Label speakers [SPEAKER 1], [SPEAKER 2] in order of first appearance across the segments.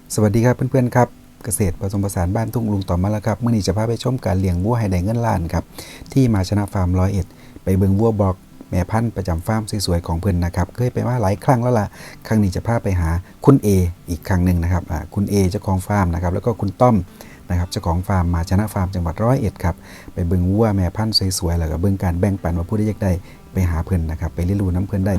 [SPEAKER 1] สวัสดีครับเพื่อนๆครับเกษตรผสมผสานบ้านทุ่งลุงต่อมาแล้วครับเมื่อนี้จะพาไปชมการเลี้ยงวัวให้ได้เงินล้านครับที่มาชนะฟาร์ม101ไปเบิ่งวัวบอกแม่พันธุ์ประจำฟาร์มสวยๆของเพิ่นนะครับเคยไปมาหลายครั้งแล้วล่ะครั้งนี้จะพาไปหาคุณเออีกครั้งหนึ่งนะครับคุณเอเจ้าของฟาร์มนะครับแล้วก็คุณต้อมนะครับเจ้าของฟาร์มมาชนะฟาร์มจังหวัด101ครับไปเบิ่งวัวแม่พันธุ์สวยๆแล้วก็เบิ่งการแบ่งปันว่าผู้ใดอยากได้ไปหาเพิ่นนะครับไปเรียนรู้น้ำเพิ่นได้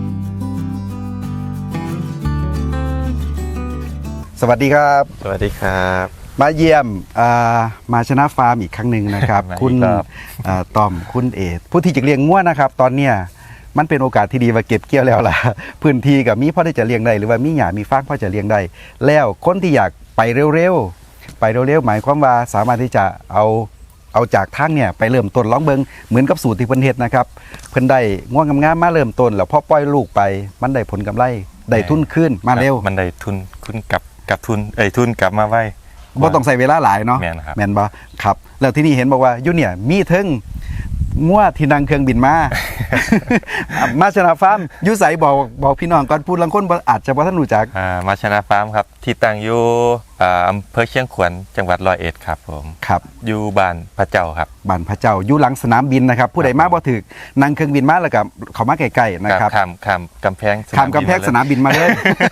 [SPEAKER 1] สวัสดีครับ
[SPEAKER 2] สวัสดีครับ
[SPEAKER 1] มาเยี่ยมมาชนะฟาร์มอีกครั้งหนึ่งนะครับ คุณต้อมคุณเอผู้ที่จะเลี้ยงงัวนะครับตอนเนี้ยมันเป็นโอกาสที่ดีว่าเก็บเกี่ยวแล้วล่ะพื้นที่กับมีพ่อได้จะเลี้ยงได้หรือว่ามีหญ้ามีฟางพ่อจะเลี้ยงได้แล้วคนที่อยากไปเร็วหมายความว่าสามารถที่จะเอาจากทางเนี่ยไปเริ่มต้นลองเบิงเหมือนกับสูตรที่เพิ่นเฮ็ดนะครับเพิ่นได้ง่วงงามๆมาเริ่มต้นแล้วพอปล่อยลูกไปมันได้ผลกำไรได้ทุนขึ้นมาเร็ว
[SPEAKER 2] มันได้ทุนขึ้นกับทุนทุนกลับมาไว้
[SPEAKER 1] บ่ต้องใส่เวลาหลายเนาะแม่นบ่ครับแล้วที่นี่เห็นบอกว่าอยู่เนี่ยมีถึงงัวที่นั่งเครื่องบินมา มาชนะฟาร์มอยู่ไสบอกพี่น้องก่อนพูดลังคนอาจจะบ่ทันรู้จัก
[SPEAKER 2] มาชนะฟาร์มครับที่ตั้งอยู่อำเภอเชียงขวัญจังหวัด101ครับผม
[SPEAKER 1] ครับ
[SPEAKER 2] อยู่บ้านพระเจ้าครับ
[SPEAKER 1] บ้านพระเจ้าอยู่หลังสนามบินนะครับผู้ใดมาบ่ถึกนั่งเครื่องบินมาแล้วก็เข้ามาใกล้ๆนะครับ
[SPEAKER 2] ข้ามกำแพง
[SPEAKER 1] สนามบินมาเลย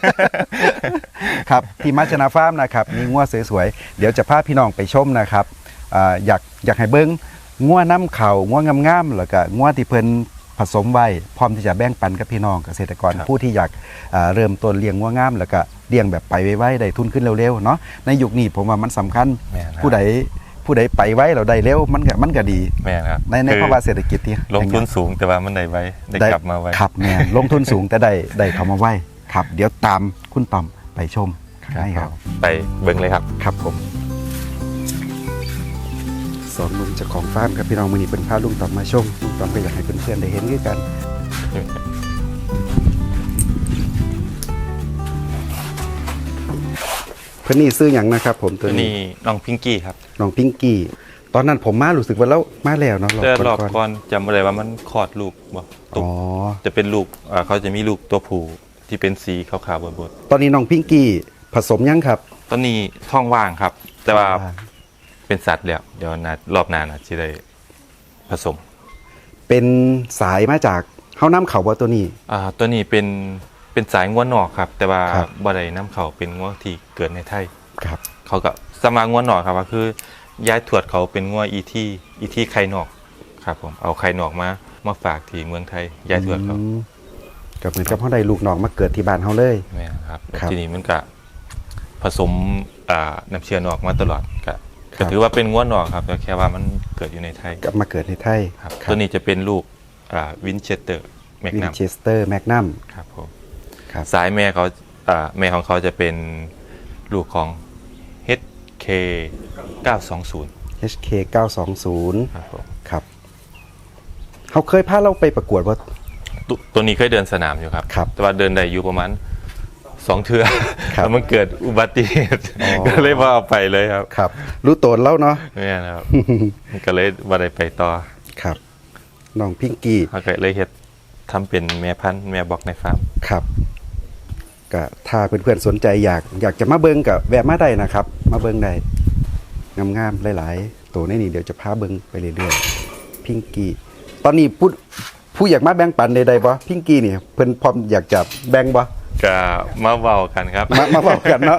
[SPEAKER 1] ครับที่มาชนะฟาร์มนะครับมีงัวสวยๆเดี๋ยวจะพาพี่น้องไปชมนะครับอยากให้เบิ่งงัวน้ำเข่างัวงามๆแล้วก็งัวที่เพิ่นผสมไว้พร้อมที่จะแบ่งปันกับพี่น้องเกษตรกรผู้ที่อยากเริ่มต้นเลี้ยงงัวงามแล้วก็เลี้ยงแบบไปไวๆได้ทุนขึ้นเร็วๆเนาะในยุคนี้ผมว่ามันสำคัญผู้ใดไปไว้เราได้เร็วมันก็ดีในภาวะเศรษฐกิจที่
[SPEAKER 2] ลงทุนสูงแต่ว่ามันได้ไว้ได้กลับมาไว้
[SPEAKER 1] ครับแม่ลงทุนสูงแต่ได้เข้ามาไว้ครับเดี๋ยวตามคุณต้อมไปชมได้ครับ
[SPEAKER 2] ไปเบิ่งเลยครับ
[SPEAKER 1] ครับผมสองลุงเจ้าของฟาร์มครับพี่น้องมื้อนี้เป็นพาลุงต้อมมาชมลุงต้อมก็อยากให้เพื่อนๆได้เห็นด้วยกันเพื่อนนี่ซื้ออย่างนะครับผม
[SPEAKER 2] ตัวนี้น้องพิงกี้ครับ
[SPEAKER 1] น้องพิงกี้ตอนนั้นผมมารู้สึกว่าแล้วมาแล้วเนาะ
[SPEAKER 2] รอบก่อนจำไม่ได้ว่ามันคลอดลูกบ่จะเป็นลูกเขาจะมีลูกตัวผู้ที่เป็นสีขาวๆบน
[SPEAKER 1] ตอนนี้น้องพิงกี้ผสมยังครับ
[SPEAKER 2] ตอนนี้ท้องว่างครับแต่ว่าเป็นสัตว์แล้วเดี๋ยวรอบหน้าจะได้ผสม
[SPEAKER 1] เป็นสายมาจากเฮาน้ำเขาบ่ตัวนี้
[SPEAKER 2] ตัวนี้เป็นสายงัวนอกครับแต่ว่าบ่ได้น้ำเขาเป็นงัวที่เกิดในไทย
[SPEAKER 1] ครับ
[SPEAKER 2] เขาก็สมางัวนอกครับก็คือย้ายถวดเขาเป็นงัวอีที่ไข่นอกครับผมเอาไข่นอกมาฝากที่เมืองไทยย้ายถวดเขา
[SPEAKER 1] ก็เหมือนกับเฮาได้ลูกนอกมาเกิดที่บ้านเฮาเลย
[SPEAKER 2] แม่ครับทีนี้มันก็ผสมน้ำเชื้อนอกมาตลอดก็ถือว่าเป็นงัวนอกครับแต่แค่ว่ามันเกิดอยู่ในไทย
[SPEAKER 1] กลับมาเกิดในไทย
[SPEAKER 2] ครับตัวนี้จะเป็นลูกวินเชสเตอร์แมก
[SPEAKER 1] นัม
[SPEAKER 2] ครับผมสายแม่เขาแม่ของเขาจะเป็นลูกของ HK 920
[SPEAKER 1] HK 920
[SPEAKER 2] ครับผม
[SPEAKER 1] ครับเขาเคยพาเราไปประกวดว่า
[SPEAKER 2] ตัวนี้เคยเดินสนามอยู่ครับแต่ว่าเดินได้อยู่ประมาณ2 เทื่อแล้วมันเกิดอุบัติเหตุก็เลยว่าเอาไปเลยครับ
[SPEAKER 1] ครับรู้ตนแล้วเนาะ
[SPEAKER 2] นี่นะครับก็เลยว่าได้ไปต่อ
[SPEAKER 1] ครับน้องพิงกี้
[SPEAKER 2] เขาก็เลยเฮ็ดทำเป็นแม่พันธุ์แม่บอกในฟาร์ม
[SPEAKER 1] ครับก็ถ้าเพื่อนๆสนใจอยากจะมาเบิ่งกับแวะมาได้นะครับมาเบิ่งได้งามๆหลายๆตัวนี่เดี๋ยวจะพาเบิ่งไปเรื่อยๆพิงกี้ตอนนี้ผู้อยากมาแบ่งปันใดๆบ่พิงกี้นี่เพิ่นพร้อมอยากจะแบ่งบ่
[SPEAKER 2] ก็มาเว้ากันครับ
[SPEAKER 1] มาเว้ากันเนาะ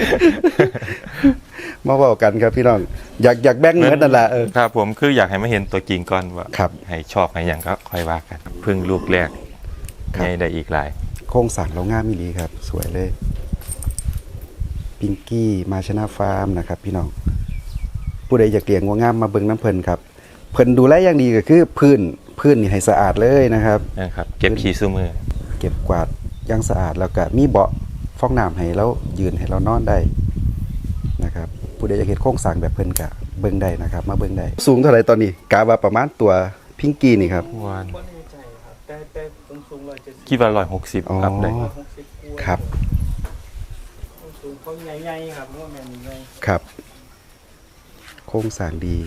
[SPEAKER 1] มาเว้ากันครับพี่น้องอยากแบ่งเหมือนนั่นแหละ
[SPEAKER 2] ครับผมคืออยากให้มาเห็นตัวจริงก่อนว่าให้ชอบให้หยังก็ค่อยว่ากันพึ่งลูกแรกให้ได้อีกหลาย
[SPEAKER 1] โครงสร้างเรางามอีหลีครับสวยเลยพิงกี้มาชนะฟาร์มนะครับพี่น้องผู้ใดอยากเลี้ยงงัวงามมาเบิ่งน้ำเพิ่นครับเพิ่นดูแลอย่างดีก็คือพื้นนี่ให้สะอาดเลยนะครับ
[SPEAKER 2] เก็บขี้ซุมือ
[SPEAKER 1] เก็บกวาดอย่างสะอาดแล้วก็มีเบาะฟองน้ำให้เรายืนให้เรานอนได้นะครับผู้ใดอยากเห็นโครงสร้างแบบเพิ่นก็เบิ่งได้นะครับมาเบิ่งได้สูงเท่าไหร่ตอนนี้กะว่าประมาณตัวพิงกี้นี่ครับ
[SPEAKER 3] แต่ผมสูง170
[SPEAKER 2] คิดว่า160ครับได้
[SPEAKER 1] ครับ
[SPEAKER 3] สูงเขาใหญ่ๆครับว่าแม่นใหญ่
[SPEAKER 1] ครับโครงสร้างดี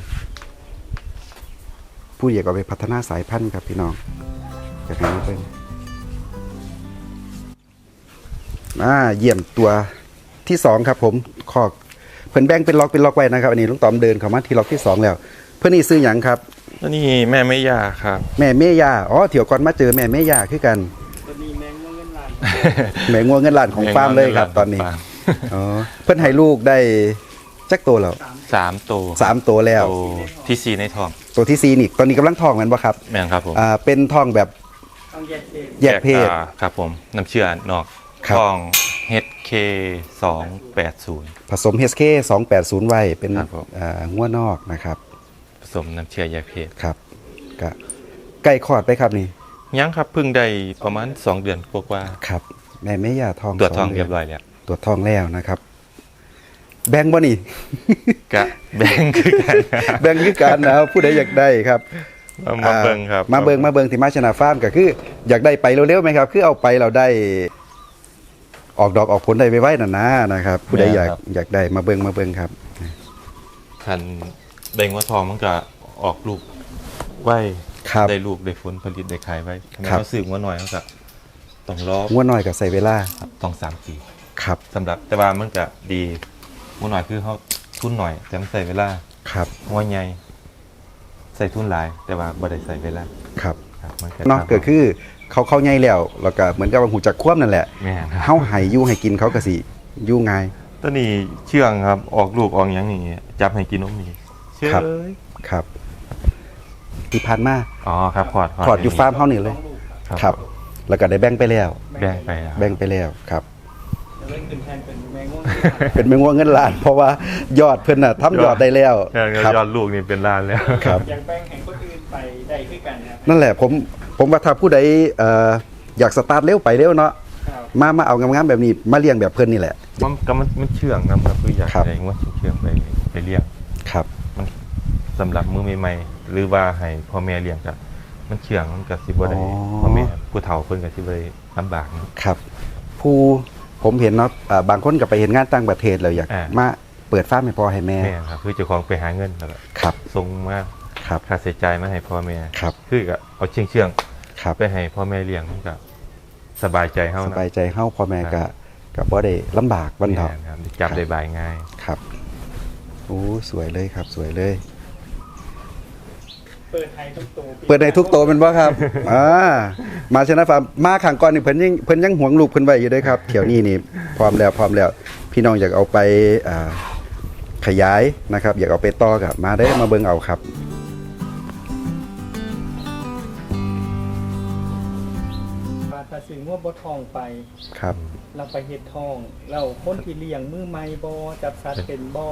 [SPEAKER 1] ผู้อยากเอาไปพัฒนาสายพันธุ์ครับพี่น้องอยากให้มาเบิ่งเยี่ยมตัวที่2ครับผมคอกเพิ่นแบ่งเป็นล็อกไว้นะครับอันนี้ลุงต๋อมเดินเข้ามาที่ล็อกที่2แล้วเพิ่นนี่ซื้อหยังครับ
[SPEAKER 2] ตัวนี้แม่ไม่ยาครับ
[SPEAKER 1] แม่เมย่าอ๋อเถียวก่อนมาเจอแม่เมย่าคือกัน
[SPEAKER 3] ตัวนี้แมงม่วงเงินล้าน
[SPEAKER 1] แม่งัวเงินล้านของฟาร์มเลยครับตอนนี้อ๋อเพิ่นให้ลูกได้จักตัวแล้ว
[SPEAKER 2] 3 ตัว
[SPEAKER 1] 3ตัวแล้ว
[SPEAKER 2] ตัวที่ 4 ในท้อง
[SPEAKER 1] ตัวที่4นี่ตอนนี้กำลังท้องแม่นบ่ครับ
[SPEAKER 2] แม่นครับผม
[SPEAKER 1] เป็นท้องแบบ
[SPEAKER 3] ต้องแยกเศษ
[SPEAKER 1] แยกเพศ
[SPEAKER 2] ครับผมน้ำเชื่อนอก
[SPEAKER 1] ครับ
[SPEAKER 2] ท้อง HK 280
[SPEAKER 1] ผสม HK 280ไว้เป็น
[SPEAKER 2] ครับผม
[SPEAKER 1] งัวนอกนะครับ
[SPEAKER 2] ผสมน้ำเชื่อแยกเพศ
[SPEAKER 1] ครับก็ใกล้คลอดไปครับนี่
[SPEAKER 2] ยังครับเพิ่งได้ประมาณ 2 เดือนกว่า
[SPEAKER 1] ครับแม่เมย่าท้อง
[SPEAKER 2] ๆตรวจท้อง
[SPEAKER 1] 2
[SPEAKER 2] เรียบร้อยแล้ว
[SPEAKER 1] ตรวจท้องแล้วนะครับ แบ่งบ่นี่
[SPEAKER 2] กะแบ่งคือกัน
[SPEAKER 1] แบ่งคือกันนะครับผู้ใดอยากได้ครับ
[SPEAKER 2] มาเบิ่งครับ
[SPEAKER 1] มาเบิงที่มาชนะฟาร์มก็คือ อยากได้ไปเร็วๆไหมครับ คือเอาไปเราได้ ออกดอกออกผลได้ไว้ๆนั่นนะครับ ผู้ใดอยากได้มาเบิงครับ
[SPEAKER 2] คันได้งวทองมันก็ออกลูกไว้
[SPEAKER 1] ครับ
[SPEAKER 2] ได้ลูกได้ผลผลิตได้ขายไว้ทำไม
[SPEAKER 1] ครับ
[SPEAKER 2] เขาซื้องัวน้อยเขาก็ต้องรอ
[SPEAKER 1] งัวน้อยกับใส่เวลา
[SPEAKER 2] ครับต้อง3 ปี
[SPEAKER 1] ครับ
[SPEAKER 2] สำหรับแต่ว่ามันก็ดีงัวน้อยคือเขาทุนหน่อยแต่มันใส่เวลา
[SPEAKER 1] ครับ
[SPEAKER 2] งัวใหญ่ใส่ทุนหลาย แต่ว่าบ่ได้ใส่เวลา
[SPEAKER 1] ครับ
[SPEAKER 2] ครับมัน
[SPEAKER 1] เนาะก็คือเขาใหญ่แล้วแล้วก็เหมือนกับว่าหูจักคว่ำนั่นแหละ
[SPEAKER 2] แม่นครับ
[SPEAKER 1] เฮาให้อยู่ให้กินเขาก็สิอยู่ง่าย
[SPEAKER 2] ตัวนี้เชื่องครับออกลูกออกหยังนี่จับให้กินนมนี่เชื่อ
[SPEAKER 1] ครับ
[SPEAKER 2] เลย
[SPEAKER 1] ครับ ที่ผ่านมา
[SPEAKER 2] อ๋อครับพอด
[SPEAKER 1] ขอดอยู่ฟาร์มเฮานี่เลย
[SPEAKER 2] ครับ
[SPEAKER 1] ครับ แล้วก็ได้แบ่งไปแล้ว
[SPEAKER 2] แบ่งไปแล้ว
[SPEAKER 1] แบ่งไปแล้วครับ
[SPEAKER 3] จะเล่นขึ้นแทนเป็นแมงม่วง
[SPEAKER 1] เป็นแมงว่วงเงินล้าน เพราะว่ายอดเพิ่นน่ะทำยอดได้แล้ว
[SPEAKER 2] แค่
[SPEAKER 1] ครับ
[SPEAKER 2] ยอดลูกนี่เป็นล้านแล้ว
[SPEAKER 1] ครับ
[SPEAKER 3] อย่างแป้งแห่งคนอื่นไปได้คือกันครับ
[SPEAKER 1] นั่นแหละผมว่าถ้าผู้ใดอยากสตาร์ทเร็วไปเร็วเนาะ
[SPEAKER 3] ครับ
[SPEAKER 1] มาเอางามๆแบบนี้มาเลี้ยงแบบเพิ่นนี่แหละ
[SPEAKER 2] มันเชื่องนะครับคืออยาก
[SPEAKER 1] ครับ
[SPEAKER 2] ได้ว่าเชื่องไปเลี้ยง
[SPEAKER 1] ครับ
[SPEAKER 2] สำหรับมือใหม่ๆหรือว่าให้พ่อแม่เลี้ยงกับมันเชื่องมันก็สิบ่ได้
[SPEAKER 1] อ๋อ
[SPEAKER 2] พ่อแม่ผู้เฒ่าเพิ่นก็สิบ่ได้ลำบากนะ
[SPEAKER 1] ครับ ผู้ผมเห็นเนาะบางคนก็ไปเห็นงานต่างประเทศแล้วอยาก
[SPEAKER 2] อ่าม
[SPEAKER 1] มาเปิดฟาร์มให้พ่อให้แม่
[SPEAKER 2] แม่ครับคือเจ้าของไปหาเงินแล้วก็
[SPEAKER 1] ครับ
[SPEAKER 2] ส่งมา
[SPEAKER 1] ครับ
[SPEAKER 2] ค่าใช้จ่ายมาให้พ่อแม่
[SPEAKER 1] ครับ
[SPEAKER 2] คือก็เอาเชื่อง
[SPEAKER 1] ครับ
[SPEAKER 2] ๆไปให้พ่อแม่เลี้ยงมันก็สบายใจเฮา
[SPEAKER 1] ส
[SPEAKER 2] นะ
[SPEAKER 1] บายใจเฮาพ่อแม่ก็บ่ได้ลำบากบันเทา
[SPEAKER 2] แม่ครับจับได้บายง่าย
[SPEAKER 1] ครับโอ้สวยเลยครับ สวยเลย
[SPEAKER 3] เปิดไทยทุกตัว
[SPEAKER 1] เปิดในทุกโตะเป็นบ่ครับ มาชนะฟาร์มมาขังก่อนนี่เพิ่นยังหวงลูกเพิ่นไว้อยู่เด้วยครับเที่ยวนี้นี่พร้อมแล้วพี่น้องอยากเอาไปขยายนะครับ อยากเอาไปต่อกับมาได้มาเบิ่งเอาครับ
[SPEAKER 3] มาถ้าซื้องัวบ่ทองไป
[SPEAKER 1] ครับ
[SPEAKER 3] เราไปเฮ็ดทองเราคนที่เลี้ยงมือไม้บ่จับสัตว์เป็นบ่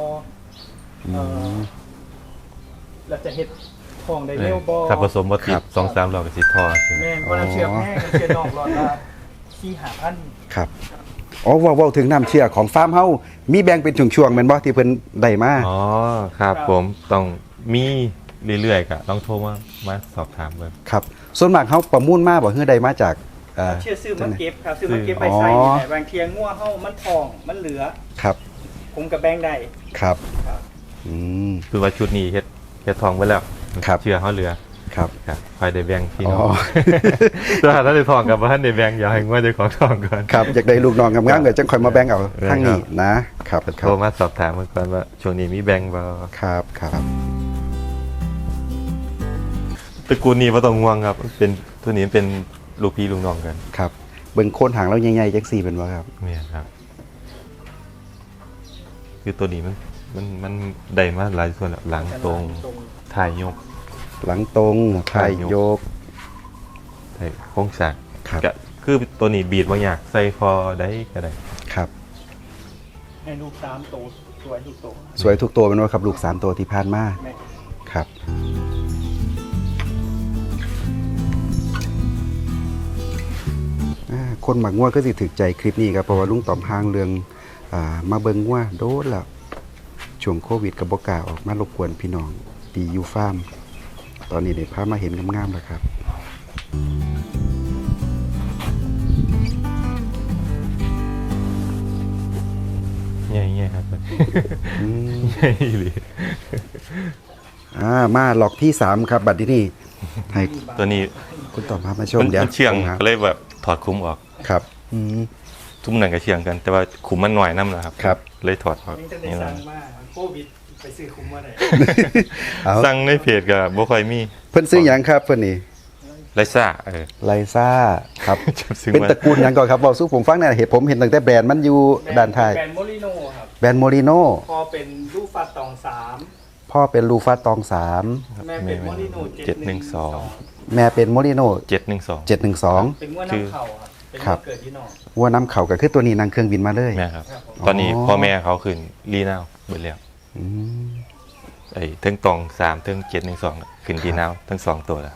[SPEAKER 3] เราจะเฮ็ดทองได้เร็วบ่
[SPEAKER 2] ถ้าผสมบ่ติ
[SPEAKER 1] ครั
[SPEAKER 2] ด
[SPEAKER 1] บ
[SPEAKER 2] 2-3รอบก็สิทอใช่ไหม
[SPEAKER 3] แม่นบ่น้ำเชื่อแพงน้ำเชื่อนอกรอดละ4-5,000
[SPEAKER 1] ครับอ๋อเว้าถึงน้ำเชื่อของฟาร์มเฮามีแบ่งเป็นช่วงๆแม่นบ่ที่เพิ่นได้มา
[SPEAKER 2] อ๋อครับผมต้องมีเรื่อยๆก็ต้องโทรมาสอบถามเบิ่ง
[SPEAKER 1] ครับส่วนมากเฮาประมูลมาบ่ฮือได้มาจาก
[SPEAKER 3] เชื่อซื้อมาเก็บครับซื้อมาเก็บ
[SPEAKER 1] อ๋
[SPEAKER 3] ไป
[SPEAKER 1] อ
[SPEAKER 3] ใส่แต่บางเทียงัวเฮามันทองมันเหลือ
[SPEAKER 1] ครับ
[SPEAKER 3] ผมกับแบ่งได้
[SPEAKER 1] ครับ
[SPEAKER 3] ครับ
[SPEAKER 1] อืม
[SPEAKER 2] คือว่าชุดนี้เฮ็ดทองไว้แล้ว
[SPEAKER 1] ครับ
[SPEAKER 2] เชื่อเฮาเหลือ
[SPEAKER 1] ครับ
[SPEAKER 2] ครับคอยได้แบ่งพี่น้อ
[SPEAKER 1] อ๋
[SPEAKER 2] ง
[SPEAKER 1] อ
[SPEAKER 2] ถ้าได้ทองกับบ่ทันได้แบ่งอย่าให้งว่าเจ้าของทองก่อน
[SPEAKER 1] ครับอยากได้ลูกน้องงามๆเดี๋ยวจังค่อยมาแบ่งเอา
[SPEAKER 2] เออ
[SPEAKER 1] ทางนี้
[SPEAKER 2] ครับ
[SPEAKER 1] นะครับค
[SPEAKER 2] โท
[SPEAKER 1] รับ
[SPEAKER 2] รมาสอบถามกันก่อนว่าช่วงนี้มีแบ่งบ่
[SPEAKER 1] ครับครับ
[SPEAKER 2] ตระกูลนี้บ่ต้องห่วงครับเป็นตัวนี้เป็นลูกพี่ลูกน้องกัน
[SPEAKER 1] ครับเบิ่งโคนหางแล้วใหญ่ๆจังซี่เป็นว่าครับ
[SPEAKER 2] เนี่ยครับ คือตัวนี้มันได้มาหลายส่วนแล้วหลังตรงถ่ายยก
[SPEAKER 1] หลังตรงถ่ายโยก
[SPEAKER 2] ถ่ายโค้งสร้าง
[SPEAKER 1] ครับ
[SPEAKER 2] ก็คือตัวนี้บีดบ่ยากใส่คอได้ก็ได้
[SPEAKER 1] ครับ
[SPEAKER 3] ให้ลูก3ตัวสวยทุกตัว
[SPEAKER 1] สวยทุกตัวเป็นว่าครับลูก3ตัวที่ผ่านมา
[SPEAKER 3] แม่
[SPEAKER 1] ครับคนหมักงัวก็สิถึกใจคลิปนี้ครับเพราะว่าลุงต๋อมห้างเรื่องมาเบิ่งงัวโดนแล้วช่วงโควิดกับบกล้าออกมารบกวนพี่น้องดีอยู่ฟาร์มตอนนี้ได้พามาเห็นงามๆแล้วครับ
[SPEAKER 2] ใหญ่ๆครับ
[SPEAKER 1] อืม
[SPEAKER 2] ใหญ่เลย
[SPEAKER 1] มาหลอกที่3ครับบัดนี้ให้
[SPEAKER 2] ตัวนี้
[SPEAKER 1] คุณต๋อมพามาชม
[SPEAKER 2] มัน
[SPEAKER 1] เดี๋ยว
[SPEAKER 2] เชื่อง
[SPEAKER 1] ผมหา
[SPEAKER 2] ก็เลยแบบถอดคุ้มออก
[SPEAKER 1] ครับ
[SPEAKER 2] ทุ่มหนังกระเชียงกัน แต่ว่าขุมมันหน่อยน้ำนะครับ
[SPEAKER 1] ครับ
[SPEAKER 2] เลยถอดออก
[SPEAKER 3] นี่จะได้
[SPEAKER 2] นี่แหละ
[SPEAKER 3] สั่งมาโควิดไปซื้อคุ้มมาได้
[SPEAKER 1] เอา
[SPEAKER 2] สั่งในเพจก็บ่ค่อยมี
[SPEAKER 1] เพิ่นซื้อหยังครับเพิ่นนี่
[SPEAKER 2] ไรซ่า
[SPEAKER 1] ไลซ่าครับ
[SPEAKER 2] ซื้อ
[SPEAKER 1] เป็น
[SPEAKER 2] มา
[SPEAKER 1] ตระกูลหยังก่อนครับบอกสู้ผมฟังหน่อยเห็นผมเห็นตั้งแต่แบรนด์มันอยู่ด้านท้าย
[SPEAKER 3] แบรนด์โมลิโน่ครับ
[SPEAKER 1] แบรนด์โมริโน
[SPEAKER 3] พอเป็นลูกฟัดตองสาม
[SPEAKER 1] พ่อเป็นลูฟาตองสาม
[SPEAKER 3] แม่เป็นโมลิโน่
[SPEAKER 2] 712
[SPEAKER 1] แม่เป็นโมริโน
[SPEAKER 2] 712
[SPEAKER 1] 712
[SPEAKER 3] เป็นง้วน้ำเข่าครับเป็น
[SPEAKER 1] ครับ
[SPEAKER 3] เกิดที่นอก
[SPEAKER 1] วัวน้ำเขาก็คือตัวนี้นั่งเครื่องบินมาเลย
[SPEAKER 2] แม่ครับ
[SPEAKER 3] ครับผม
[SPEAKER 2] ตอนนี้
[SPEAKER 1] อ๋อ
[SPEAKER 2] พ่อแม่เขาขึ้นรีนาวเบิดแล้ว
[SPEAKER 1] อืม
[SPEAKER 2] เทิงตอง3เทิง712ขึ้นรีนาวทั้ง2ตัวแล้ว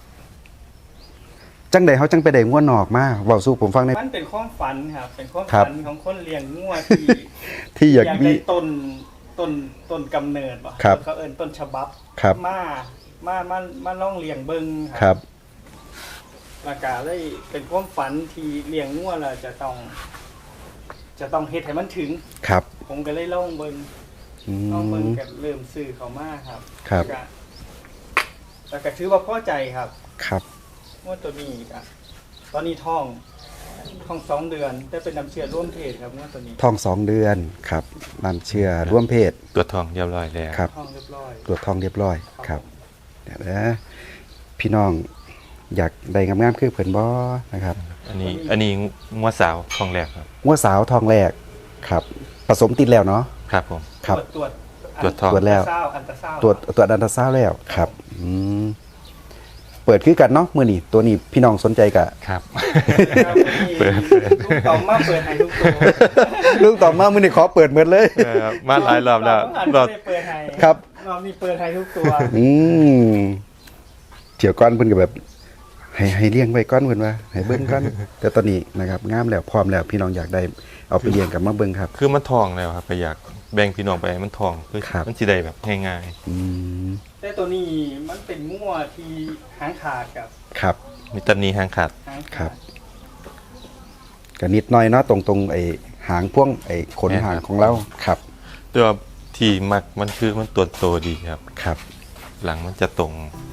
[SPEAKER 1] จังใดเขาจังไปได้งัวนอกมาเว้าสู้ผมฟังใน
[SPEAKER 3] มันเป็นความฝันครับเป็นความ
[SPEAKER 1] ครับ
[SPEAKER 3] ฝันของคนเลี้ยงงัวที่
[SPEAKER 1] ที่อยากมี
[SPEAKER 3] ได้ต้นกำเนิดป่ะ
[SPEAKER 1] ครับ
[SPEAKER 3] เขาเอิ้นต้นฉบับ
[SPEAKER 1] ครับ
[SPEAKER 3] มาล่องเลี้ยงเบิ่ง
[SPEAKER 1] ครับ
[SPEAKER 3] แล้วก็เลยเป็นความฝันที่เลี้ยงงัวแล้วจะต้องเฮ็ดให้มันถึง
[SPEAKER 1] ครับ
[SPEAKER 3] ผมก็เลยล่องเบิ่ง
[SPEAKER 1] อื
[SPEAKER 3] ล่องเบิ่ง
[SPEAKER 1] ม
[SPEAKER 3] ก็เริ่มซื้อเขามาครับ
[SPEAKER 1] ครับ
[SPEAKER 3] แล้วก็ถือว่าพอใจครับ
[SPEAKER 1] ครับ
[SPEAKER 3] งัวตัวนี้ก็ตอนนี้ท้อง2 เดือนได้เป็นน้ำเชื้อร่วมเพศครับงัวตัวนี้
[SPEAKER 1] ท้อง2 เดือนครับน้ำเชื่อร่วมเพศ
[SPEAKER 2] ตัวทองเรียบร้อยแล้ว
[SPEAKER 1] ครับ
[SPEAKER 3] ท้องเรียบร้อย
[SPEAKER 1] ตรวจท้องเรียบร้อยครับเดี๋ยวนะพี่น้องอยากได้งามๆคือเพิ่นบ่นะครับ
[SPEAKER 2] อันนี้งัวสาวทองแรกครับ
[SPEAKER 1] งัวสาวทองแรกครับผสมติดแล้วเนาะ
[SPEAKER 2] ครับผม
[SPEAKER 1] ครับ
[SPEAKER 3] ตรวจ
[SPEAKER 2] ตรวจท้อง
[SPEAKER 1] ตรวจแล้ว
[SPEAKER 3] อันตราซาวด์
[SPEAKER 1] ตรวจอันตราซาวด์แล้วครับอืมเปิดคือกันเนาะมื้อนี้ตัวนี้พี่น้องสนใจกะ
[SPEAKER 2] ครับ
[SPEAKER 3] ครับ
[SPEAKER 2] เปิด
[SPEAKER 3] ลูกต่อมมาเปิดให้ทุกตัว
[SPEAKER 1] ลูกต่อมามื้อนี้ขอเปิดหมดเลย
[SPEAKER 2] มาหลายรอบแล้ว
[SPEAKER 3] ร
[SPEAKER 2] ร
[SPEAKER 3] อ
[SPEAKER 2] อ
[SPEAKER 3] บบ เปิดให้
[SPEAKER 1] ครับ
[SPEAKER 3] รอบนี้เปิดให้ทุกตัว
[SPEAKER 1] อืมเที่ยวก่อนเพิ่นก็แบบให้เลี้ยงไว้ก่อนเพิ่นว่าให้เบิ่งก่อนแต่ตอนนี้นะครับงามแล้วพร้อมแล้วพี่น้องอยากได้เอาไปเลี้ยงกับมาเบิ่งครับ
[SPEAKER 2] คือมันทองแล้วครับก็อยากแบ่งพี่น้องไปให้มันทองคือ
[SPEAKER 1] ครับ
[SPEAKER 2] มันสิได้แบบง่าย
[SPEAKER 1] อืม
[SPEAKER 3] แต่ตัวนี้มันเป็นงัวที่หางขาดกับ
[SPEAKER 1] ครับ
[SPEAKER 2] ๆมีตันนี้หางขาด
[SPEAKER 3] หาง
[SPEAKER 1] ครั
[SPEAKER 3] ขา
[SPEAKER 1] บ
[SPEAKER 3] ด
[SPEAKER 1] ก็นิดหน่อยเนาะตรงไอ้หางพ่วงไอ้ขนหางของเราครับ
[SPEAKER 2] แต่ว่าที่มักมันคือมันตัวโตดีครับ
[SPEAKER 1] ครับ
[SPEAKER 2] หลังมันจะตรง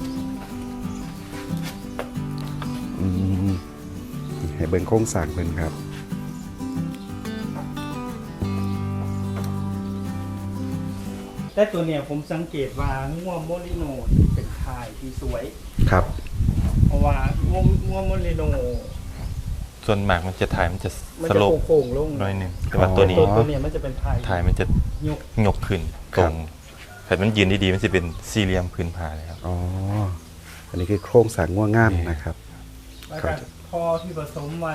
[SPEAKER 1] อืมให้เบิ่งโครงสร้างเบิ่งครับ
[SPEAKER 3] แต่ตัวเนี้ยผมสังเกตว่างัวโมลิโนที่เป็นทายที่สวย
[SPEAKER 1] ครับ
[SPEAKER 3] เพราะว่างัวโมลิโน
[SPEAKER 2] ส่วนมากมันจะถ่ายมันจะ
[SPEAKER 3] มัน
[SPEAKER 2] ส
[SPEAKER 3] จะ
[SPEAKER 2] โลป
[SPEAKER 3] โค้งๆลง
[SPEAKER 2] หน้อยหนึงแต่ว่าตัวนี้
[SPEAKER 3] ตัวเนี้ยมันจะเป็นทาย
[SPEAKER 2] ถ่ายมันจะ
[SPEAKER 3] ยก
[SPEAKER 2] ยกขึ้น
[SPEAKER 1] ค
[SPEAKER 2] ต
[SPEAKER 1] รั
[SPEAKER 2] ร
[SPEAKER 1] บ
[SPEAKER 2] งแต่มันยืนดีๆมันจะเป็นสี่เหลี่ยมพื้นผ้าเลยครับ
[SPEAKER 1] อ๋ออันนี้คือโครงสร้างง่วงงามนะครับ
[SPEAKER 3] แล้วก็พอที่ผสมไว้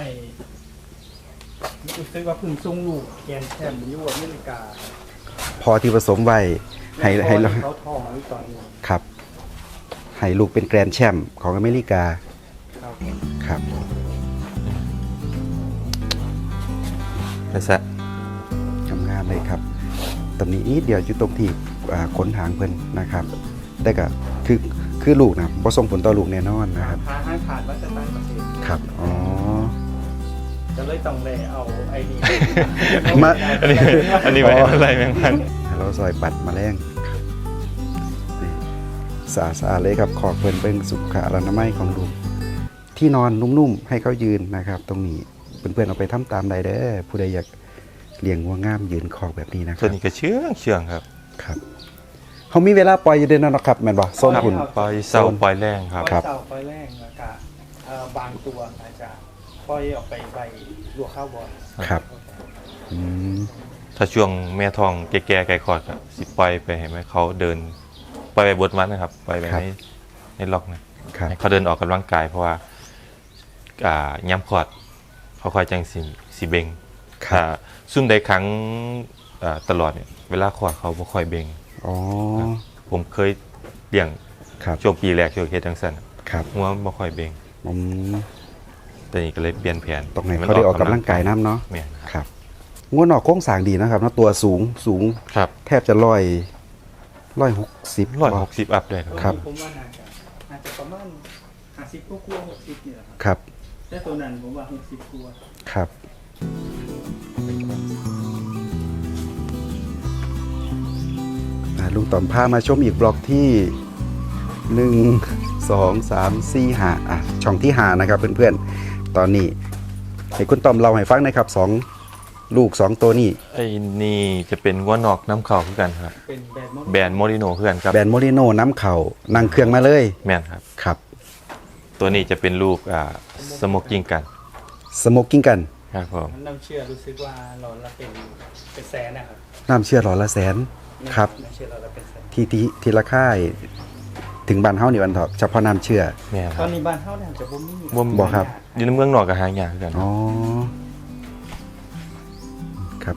[SPEAKER 3] รู้สึกว่าเพึ่งทรงลูกแกนแชมป์อยู่อเมริกา
[SPEAKER 1] พอที่ผสมไว้ให้
[SPEAKER 3] เขาทองไว้ตอนนี้
[SPEAKER 1] ครับให้ลูกเป็นแกรนด์แชมป์ของอเมริกา
[SPEAKER 3] ครับ
[SPEAKER 1] ครับ
[SPEAKER 2] แล้วซะ
[SPEAKER 1] งามๆเลยครับ ตอนนี้นิดเดียวอยู่ตรงที่ขนหางเพิ่นนะครับ แต่ก็คือลูกนะบ่ส่งผลต่อลูกแน่นอนนะครับ
[SPEAKER 3] หาห้างขาดวัฒนประเทศ
[SPEAKER 1] ครับอ๋อ
[SPEAKER 3] จะเลยต้องเลยเอาไอ้นี่
[SPEAKER 1] มา
[SPEAKER 2] อันนี้ไว้อะไรแมงมัน
[SPEAKER 1] เราซอยปัดแมาแรงครับนี่สะอาดๆเลยครับขอบเพิ่นเบิ่งสุขอนามัยของลูกที่นอนนุ่มๆให้เขายืนนะครับ ตรงนี้เพื่อนๆเอาไปทำตามใดเด้อผู้ใดอยากเลี้ยงวัวงามยืนคอกแบบนี้นะค
[SPEAKER 2] ตัว
[SPEAKER 1] รับ
[SPEAKER 2] นี้ก็เชื่องครับ ครับ
[SPEAKER 1] เขามีเวลาปล่อยอยู่เด้อนนครับแม่นบ่โซนคุณ
[SPEAKER 2] ปล่อยเศร้าปล่อยแรงครับ
[SPEAKER 3] ปล่อยเสาปล่อยแรงแล้วก็บางตัวอาจจะปล่อยออกไปใบลวกข้าวบอล
[SPEAKER 1] ครับอืม
[SPEAKER 2] ถ้าช่วงแม่ทองแก่ๆไก่คอดก็สิปล่อยไปให้ไหมเขาเดินปล่อยไปบดมันนะครับปล่อยไปในล็อกนะครับ ให้เขาเดินออกกำลังกายเพราะว่าย้ำคอดเขาคอยจังสิเบง
[SPEAKER 1] ครับ
[SPEAKER 2] ซุ่มใดครั้งตลอดเนี่ยเวลาคอดเขาบ่ค่อยเบง
[SPEAKER 1] อ๋อ
[SPEAKER 2] ผมเคยเลี้ยง
[SPEAKER 1] ครับ
[SPEAKER 2] ช่วงปีแรกช่วงเฮ็ดจังซั่น
[SPEAKER 1] ครับ
[SPEAKER 2] หัวมันบ่ค่อยเบง
[SPEAKER 1] อืม
[SPEAKER 2] แต่นี่ก็เลยเปลี่ยนแผน
[SPEAKER 1] ตรงไหนเขาได้ออกกำลังกายน้ำเนาะ
[SPEAKER 2] แม่น
[SPEAKER 1] ครับงัวนอกโค้งสร้างดีนะครับเนาะตัวสูง
[SPEAKER 2] ครับ
[SPEAKER 1] แทบจะ160
[SPEAKER 2] 160อัพเลยครับ
[SPEAKER 1] ครับ
[SPEAKER 3] ผมว่าน่าจะประมาณ50กว่า60นี่แหละครับ
[SPEAKER 1] ครับ
[SPEAKER 3] แต่ตัวนั้นผมว่า60กว่า
[SPEAKER 1] ครับลุงต่อมพามาชมอีกบล็อกที่ 1 2 3 4 5ช่องที่5นะครับเพื่อนๆตอนนี้ให้คุณต่อมเราให้ฟังหนะครับ2 ลูก2ตัวนี้
[SPEAKER 2] ไอ้นี่จะเป็นงัวนอกน้ำเข่าคือกันครับ
[SPEAKER 3] เป็นแบรนด์
[SPEAKER 2] แบรนด์โมริโนคือกันครับ
[SPEAKER 1] แบรนด์โมริโนน้ำเข่านั่งเครื่องมาเลย
[SPEAKER 2] แม่นครับ
[SPEAKER 1] ครับ
[SPEAKER 2] ตัวนี้จะเป็นลูกสโมกกิ้งกัน
[SPEAKER 1] สโมกกิ้งกัน
[SPEAKER 2] ครับผม
[SPEAKER 3] น้ำเชื่อรู้สึกว่าหลอดละเป็นแสนนะครับ
[SPEAKER 1] น้ำเชื่อหลอดละแสนครับ
[SPEAKER 3] น้ำเชื่อหลอดละเป็นแสน
[SPEAKER 1] ทีละค่ายถึงบ้านเฮานี่วันเถอะเฉพาะน้ำเชื่อ
[SPEAKER 2] แม่นค
[SPEAKER 3] ตอ
[SPEAKER 2] รั
[SPEAKER 3] น
[SPEAKER 2] บ
[SPEAKER 3] นี้บ้านเฮาเนี่ยจะบ่มี
[SPEAKER 1] บ่ครับ
[SPEAKER 2] อยู่ในเมืองนอกกับหางยากคือกัน
[SPEAKER 1] อ๋อครับ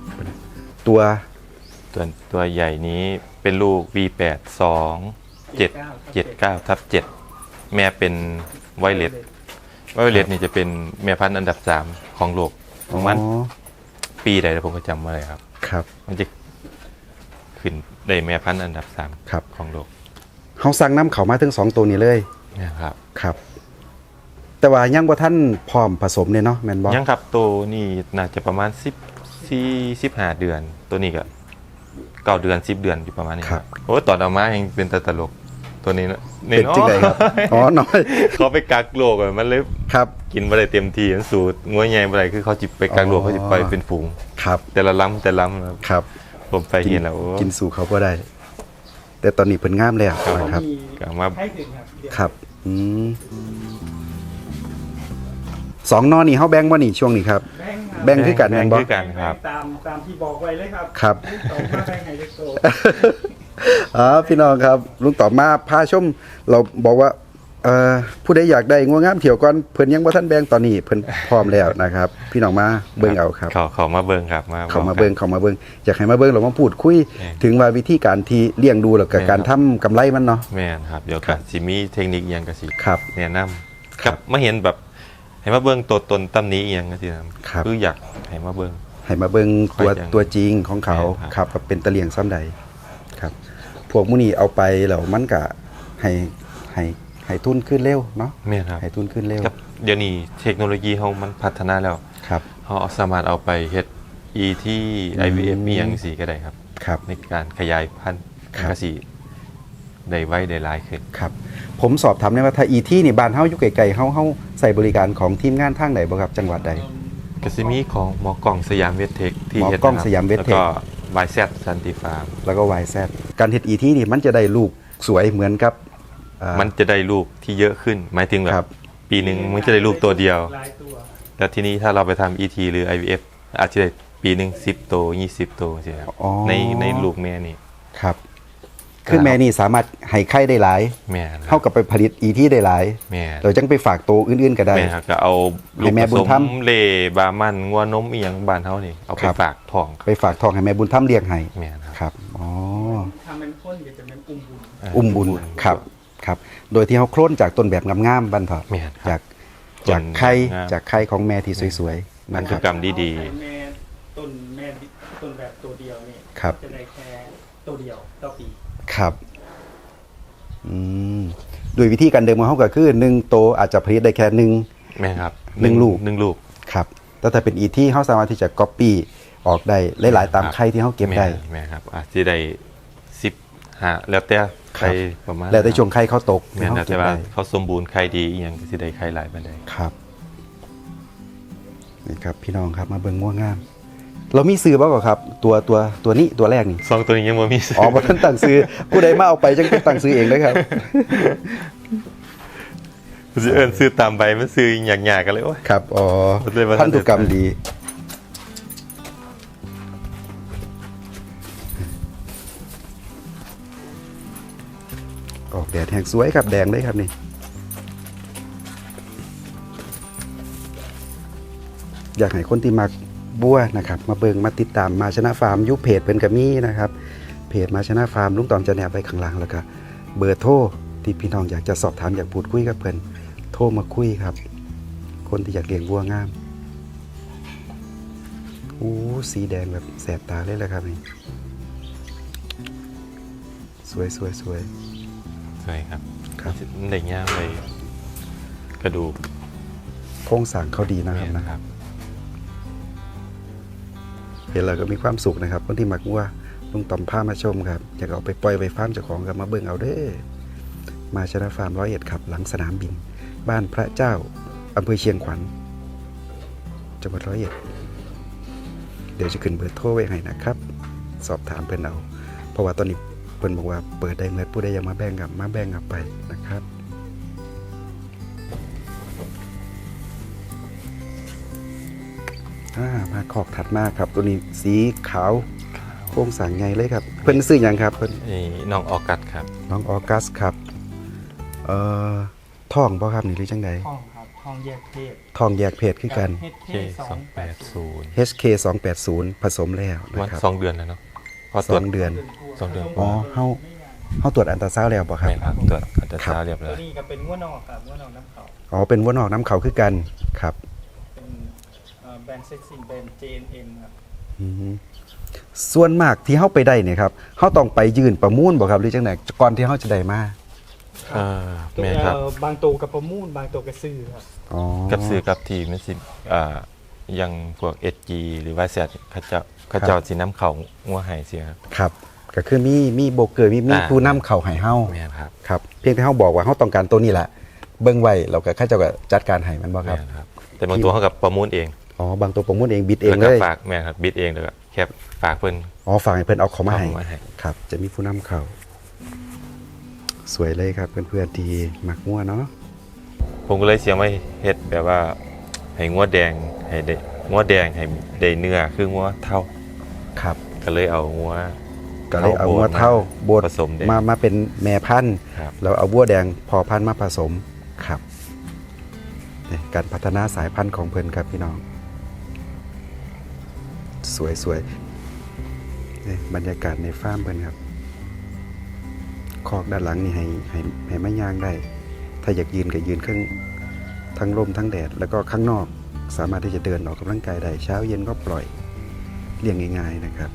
[SPEAKER 2] ตัวใหญ่นี้เป็นลูก V8 2 7 9/7 แม่เป็นไวเลสนี่จะเป็นแม่พันธุ์อันดับ 3 ของโลกประมาณ
[SPEAKER 1] อ๋อ
[SPEAKER 2] ปีใดผมก็จำไม่ได้ครับ
[SPEAKER 1] ครับ
[SPEAKER 2] มันจะขึ้นได้แม่พันธุ์อันดับ
[SPEAKER 1] ครับ
[SPEAKER 2] 3 ของโลก
[SPEAKER 1] เฮาสั่งน้ำเขามาถึง2ตัวนี้เลย
[SPEAKER 2] นะครับ
[SPEAKER 1] ครับ แต่ว่ายังบ่ทันพร้อมผสมเนี่ยเนาะแม่นบ่
[SPEAKER 2] ยังครับตัวนี้น่าจะประมาณ15 เดือน ตัวนี้ก็9 เดือน 10 เดือนอยู่ประมาณนี้ครับโอ้ตอนเอามายังเป็นตลกตัวนี้นะ
[SPEAKER 1] เป็นจังไดครับอ๋อน้อย
[SPEAKER 2] เขาไปกักโลกอะมันเลย
[SPEAKER 1] ครับ
[SPEAKER 2] กินบ่ได้เต็มที่มันสูตรงัวใหญ่บ่ได้คือเขาจิไปกักโลกเขาจิไปเป็นฝูง
[SPEAKER 1] ครับ
[SPEAKER 2] แต่ละล้ำครับ
[SPEAKER 1] ครับ
[SPEAKER 2] ผมไปเห็นแล้วโอ้
[SPEAKER 1] กินสู่เขาบ่ได้ แต่ตอนนี้เพิ่นงามแล้ว
[SPEAKER 2] ครับ
[SPEAKER 1] นะครับ
[SPEAKER 3] มี
[SPEAKER 2] ก็มา
[SPEAKER 3] ให้ถึงครับเดี๋ยว
[SPEAKER 1] ครับสองนอนี่เฮาแบ่งบ่นี่ช่วงนี้ครับ แบ่งคือกันแม่นบ่
[SPEAKER 2] คือกันครับ
[SPEAKER 3] ตามที่บอกไว้เลยครับ
[SPEAKER 1] ครับ
[SPEAKER 3] ต่อมาแบ่งให้เล็กโต
[SPEAKER 1] พี่น้องครับลุงตอบมาพาชมเราบอกว่าผู้ใดอยากได้งัวงามเถียวก่อนเพิ่นยังบ่ทันแบ่งตอนนี้เพิ่นพร้อมแล้วนะครับ พี่น้องมาเบิ่งเอาครับ
[SPEAKER 2] เขามาเบิ่งครับมา
[SPEAKER 1] เขามาเบิ่งอยากให้มาเบิ่งเรามาพูดคุย ถึงว่าวิธีการที่เลี้ยงดูแล้วก็การทำกำไรมันเนาะ
[SPEAKER 2] แม่นครับเดี๋ยวก็สิมีเทคนิคอิหยังก็สิ
[SPEAKER 1] ครับ
[SPEAKER 2] แนะนำ
[SPEAKER 1] ครับ
[SPEAKER 2] มาเห็นแบบให้มาเบิ่งตัวตนตำนี้อีหยังก็สินะครับ คืออยากให้มาเบิ่ง
[SPEAKER 1] ให้มาเบิ่ง
[SPEAKER 2] ค่อยจัง
[SPEAKER 1] ตัวจริงของเขา
[SPEAKER 2] แม่น
[SPEAKER 1] ค
[SPEAKER 2] ครั
[SPEAKER 1] รับบ ว่าเป็นตะเลียงซ้ำใดครับ พวกมื้อนี้เอาไปแล้วมันก็ให้ให้ทุนขึ้นเร็วเนาะ
[SPEAKER 2] แม่นครับ
[SPEAKER 1] ให้ทุนขึ้นเร็ว
[SPEAKER 2] ครับเดี๋ยวนี้เทคโนโลยีเฮามันพัฒนาแล้ว
[SPEAKER 1] ครับ
[SPEAKER 2] เฮาสามารถเอาไปเฮ็ด ET IVF มีหยังสิก็ได้ครับ
[SPEAKER 1] ครับ
[SPEAKER 2] ในการขยายพันธุ์
[SPEAKER 1] ครับ
[SPEAKER 2] ก็สิได้ไวได้หลายขึ้น
[SPEAKER 1] ครับผมสอบถามได้ว่าถ้าอีที่นี่บ้านเฮาอยู่ไกลๆเฮาใส่บริการของทีมงานทางไหนบ่ครับจังหวัดใด
[SPEAKER 2] ก็สิมีของหมอกล้องสยามเวทเทคที่
[SPEAKER 1] หมอ
[SPEAKER 2] เฮ็ด
[SPEAKER 1] กล้อง
[SPEAKER 2] นะครับ
[SPEAKER 1] สยามเวทเทค
[SPEAKER 2] แล้วก็ YZ สันติฟาร์ม
[SPEAKER 1] แล้วก็ YZ การเฮ็ดอีที่นี่มันจะได้ลูกสวยเหมือนกับ
[SPEAKER 2] มันจะได้ลูกที่เยอะขึ้น หมายถึงแบ
[SPEAKER 1] ครับ
[SPEAKER 2] บปีหนึ่งมันจะได้ลูกตัวเดียว
[SPEAKER 3] หลายตัว
[SPEAKER 2] แล้วทีนี้ถ้าเราไปทำ ET หรือ IVF อาจจะได้ปีหนึ่ง10 ตัว 20 ตัวใช่ครับ
[SPEAKER 1] อ๋อ
[SPEAKER 2] ในลูกแม่นี่
[SPEAKER 1] ครับคือแม่นี่สามารถให้ไข่ได้หลาย
[SPEAKER 2] แม่ค
[SPEAKER 1] เท่า
[SPEAKER 2] รับ
[SPEAKER 1] กับไปผลิตอีที่ได้หลาย
[SPEAKER 2] แม่
[SPEAKER 1] เราจังไปฝากตัวอื่นๆก็ได้
[SPEAKER 2] แม่ครับก็เอาลูก
[SPEAKER 1] ให้แม่
[SPEAKER 2] ผ
[SPEAKER 1] บุ
[SPEAKER 2] ส
[SPEAKER 1] ญธรรม
[SPEAKER 2] มเล่บามันงัวนมอีหยังบ้านเฮานี่เอาไป
[SPEAKER 1] ครับ
[SPEAKER 2] ฝากท้อง
[SPEAKER 1] ไปฝากทองให้แม่บุญธรรมเลี้ยงให้
[SPEAKER 2] แม่ครับ
[SPEAKER 1] ครับอ๋อ
[SPEAKER 3] ทำเป็นข้นก็จะเป็นอุ้มบุญ
[SPEAKER 1] อุ้มบุญครับครับ โดยที่เขาโคลนจากต้นแบบงามๆบันเถอะ
[SPEAKER 2] แม่นครับ
[SPEAKER 1] จากไข่
[SPEAKER 2] งาม
[SPEAKER 1] จากไข่ของแม่ที่สวยๆ
[SPEAKER 2] พั
[SPEAKER 1] นะ
[SPEAKER 2] น
[SPEAKER 1] ค
[SPEAKER 2] ธุ
[SPEAKER 1] รับ
[SPEAKER 2] กรรมดี
[SPEAKER 3] แม่ต้นแบบตัวเดียวนี่
[SPEAKER 1] ครับ
[SPEAKER 3] จะได้แค่ตัวเดียวต่อปี
[SPEAKER 1] ครับโดยวิธีการเดิมของเขาก็คือ1โตวอาจจะผลิตได้แค่
[SPEAKER 2] ๆแม่ครับ
[SPEAKER 1] หนึ่งลูก
[SPEAKER 2] หนึ่งลูก
[SPEAKER 1] 1ครับแต่ถ้าเป็นอีที่เขาสามารถที่จะก๊อปปี้ออกได้หลายๆตามไข่ที่เขาเก็บได้
[SPEAKER 2] แม่ครับอาจจะได้15แล้วแต่ไข่ประมาณ
[SPEAKER 1] แล้วแต่ช่วงไข่เขาตก
[SPEAKER 2] แม่
[SPEAKER 1] ที่
[SPEAKER 2] น
[SPEAKER 1] เขา
[SPEAKER 2] แล้ว
[SPEAKER 1] เก็
[SPEAKER 2] แต่
[SPEAKER 1] บ
[SPEAKER 2] ว่า
[SPEAKER 1] ได้
[SPEAKER 2] เขาสมบูรณ์ไข่ดีอีหยังก็สิได้ไข่หลายปานใด
[SPEAKER 1] ครับนี่ครับพี่น้องครับมาเบิ่งง่วงงาม เรามีซื้อบ่ก่อนครับ ตัวนี้ตัวแรกนี่
[SPEAKER 2] สองตัวนี้ยังบ่มีซื้
[SPEAKER 1] อ๋อบ่ทันตั้งซื้อผู้ใดมาเอาไปจังเป็นตั้งซื้อเองนะครับ
[SPEAKER 2] สิเอิ้นซื้อตามใบมันซื้อหยากๆกันเลยโอ้ย
[SPEAKER 1] ครับอ๋อ
[SPEAKER 2] เลยว่า
[SPEAKER 1] พันธุกรรมดีออกแดดแห่งสวยครับแดงเลยครับนี่อยากให้คนที่มักบัวนะครับ มาเบิงมาติดตามมาชนะฟาร์มยุคเพจเป็นกระมี่นะครับ เพจมาชนะฟาร์มลุงตอมจะแนบไปข้างล่างแล้วก็เบอร์โทรที่พี่น้องอยากจะสอบถามอยากพูดคุยกับเพิ่นโทรมาคุยครับ คนที่อยากเลี้ยงวัวงามสีแดงแบบแสบตาเลยแหละครับนี่สวยสวยสวย
[SPEAKER 2] ใช่ครับ
[SPEAKER 1] ครับ
[SPEAKER 2] มันได้ย่างเลยกระดูก
[SPEAKER 1] โครงสร้างเขาดีนะครับ
[SPEAKER 2] แม่
[SPEAKER 1] นะครับ เห็นแล้วก็มีความสุขนะครับ คนที่มักวัวลุงต่อมพามาชมครับอยากเอาไปปล่อยไปฟาร์มเจ้าของกับมาเบิ่งเอาเด้อมาชนะฟาร์ม101ครับหลังสนามบิน บ้านพระเจ้าอำเภอเชียงขวัญจังหวัด101 เดี๋ยวจะขึ้นเบอร์โทรไว้ให้นะครับ สอบถามเพิ่นเอาเพราะว่าตอนนี้เพิ่นบอกว่าเปิดได้เมื่อผู้ใดอยากมาแบ่งกับมาแบ่งกับไปนะครับมาขอกถัดมาครับตัวนี้สีขาวโครงสร้างใหญ่เลยครับเพิ่นซื้อหยังครับเพิ่น
[SPEAKER 2] นี่น้องออกัสครับ
[SPEAKER 1] น้องออกัสครับท่องบ่ครับนี่หรือจังใด
[SPEAKER 3] ห้องครับห้องแยกเพศ
[SPEAKER 1] ท่องแยกเพศคือกัน
[SPEAKER 3] HK 280
[SPEAKER 2] K280
[SPEAKER 1] HK 280ผสมแล้วนะ
[SPEAKER 2] วัน
[SPEAKER 1] ครับ
[SPEAKER 2] 2 เดือนแล้วเนาะพอต
[SPEAKER 1] ส
[SPEAKER 2] รว
[SPEAKER 1] อ
[SPEAKER 2] จ
[SPEAKER 1] งเดือน
[SPEAKER 2] 2 เดือน
[SPEAKER 1] อ๋อเฮาตรวจอันตราซาวด์แล้วบ่ครับ
[SPEAKER 2] แม่นครับตรวจอันตราซาวด์เรียบร้
[SPEAKER 3] ตั
[SPEAKER 2] อ
[SPEAKER 3] วย นี้ก็เป็นงัวนอกครับงัวนอกน้ำเขา
[SPEAKER 1] อ๋อเป็นวัวนอกน้ำเขาคือกันครับ
[SPEAKER 3] เป็นแบรนด์เซ็กซิ่งแบรนด์ JNM ครับ
[SPEAKER 1] อืมส่วนมากที่เฮาไปได้เนี่ยครับเฮาต้องไปยื่นประมูลบ่ครับหรือจังไดก่อนที่เฮาจะได้มา
[SPEAKER 2] แม่นครับ
[SPEAKER 3] บางตัวกับประมูลบางตัวกับซื้อครับ
[SPEAKER 1] อ๋อ
[SPEAKER 2] กับซื้อกับทีมมันสิยังพวก SG หรือว่าแซดเขาเจ้าสิน้ำเขางัวไห้เสียครับ
[SPEAKER 1] ครับก็คือมีโบรกเกอร์มีผู้นำเข้าให้เฮา
[SPEAKER 2] แม่นครับ
[SPEAKER 1] ครับเพียงแต่เฮาบอกว่าเฮาต้องการตัวนี้แหละเบิ่งไว้เราก็เขาเจ้าก็จัดการให้มันบ่ครับ
[SPEAKER 2] แม่นครับแต่บางตัวเขากับประมูลเอง
[SPEAKER 1] อ๋อบางตัวประมูลเองบิดเอง
[SPEAKER 2] แล้ว
[SPEAKER 1] เล
[SPEAKER 2] ก็
[SPEAKER 1] ย
[SPEAKER 2] ฝากแม่นครับบิดเองแล้วก็แคปฝากเพิ่น
[SPEAKER 1] อ๋อฝากให้เพิ่นเอาของมาให้
[SPEAKER 2] เอามาให้
[SPEAKER 1] ครับ จะมีผู้นำเข้าสวยเลยครับเพื่อนๆที่มักงัวเนาะ
[SPEAKER 2] ผมก็เลยเสียไม่เฮ็ดแบบว่าให้งัวแดงให้ได้งัวแดงให้ได้เนื้อคืองัวเท่า
[SPEAKER 1] ครับ
[SPEAKER 2] ก็เลยเอางัว
[SPEAKER 1] ก็เลยเอางัวเท่าบด
[SPEAKER 2] ผสมแดง
[SPEAKER 1] มาเป็นแม่พันธุ์
[SPEAKER 2] ครับ
[SPEAKER 1] แล้วเอาวัวแดงพอพันธุ์มาผสมครับนี่การพัฒนาสายพันธุ์ของเพิ่นครับพี่น้องสวยนี่บรรยากาศในฟาร์มเพิ่นครับคอกด้านหลังนี่ให้ไม้ย่างได้ ถ้าอยากยืนก็ยืนทั้งลมทั้งแดดแล้วก็ข้างนอกสามารถที่จะเดินออกกำลังกายได้เช้าเย็นก็ปล่อยเลี้ยงง่ายๆนะครับ